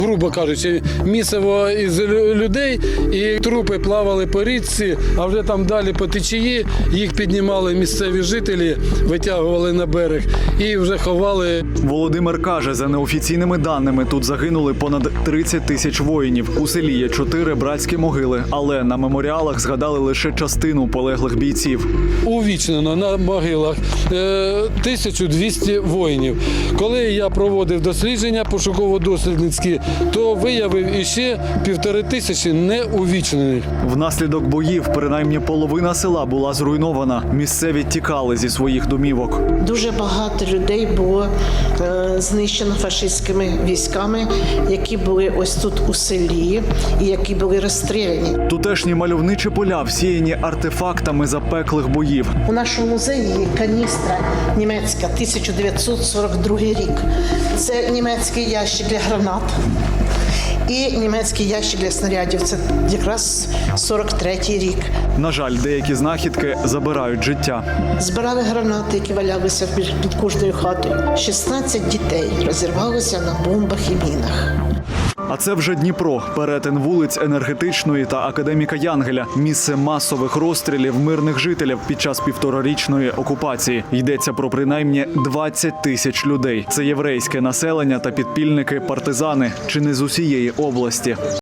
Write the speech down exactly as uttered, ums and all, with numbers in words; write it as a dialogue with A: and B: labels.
A: Грубо кажучи, місиво із людей, і трупи плавали по річці, а вже там далі по течії їх піднімали місцеві жителі, витягували на берег і вже ховали.
B: Володимир каже, за неофіційними даними тут загинули понад тридцять тисяч воїнів. У селі є чотири братські могили, але на меморіалах згадали лише частину полеглих бійців.
A: Увічнено на могилах тисяча двісті воїнів. Коли я проводив дослідження пошуково-дослідницькі, то виявив іще півтори тисячі неувічнених.
B: Внаслідок боїв принаймні половина села була зруйнована. Місцеві тікали зі своїх домівок.
C: Дуже багато людей було е, знищено фашистськими військами, які були ось тут у селі і які були розстріляні.
B: Тутешні мальовничі поля всіяні артефактами запеклих боїв.
C: У нашому музеї є каністра німецька, тисяча дев'ятсот сорок другий рік. Це німецький ящик для гранат і німецький ящик для снарядів. Це якраз сорок третій рік.
B: На жаль, деякі знахідки забирають життя.
C: Збирали гранати, які валялися під кожною хатою. шістнадцять дітей розірвалося на бомбах і мінах.
B: А це вже Дніпро, перетин вулиць Енергетичної та Академіка Янгеля, місце масових розстрілів мирних жителів під час півторарічної окупації. Йдеться про принаймні двадцять тисяч людей. Це єврейське населення та підпільники-партизани, чи не з усієї області.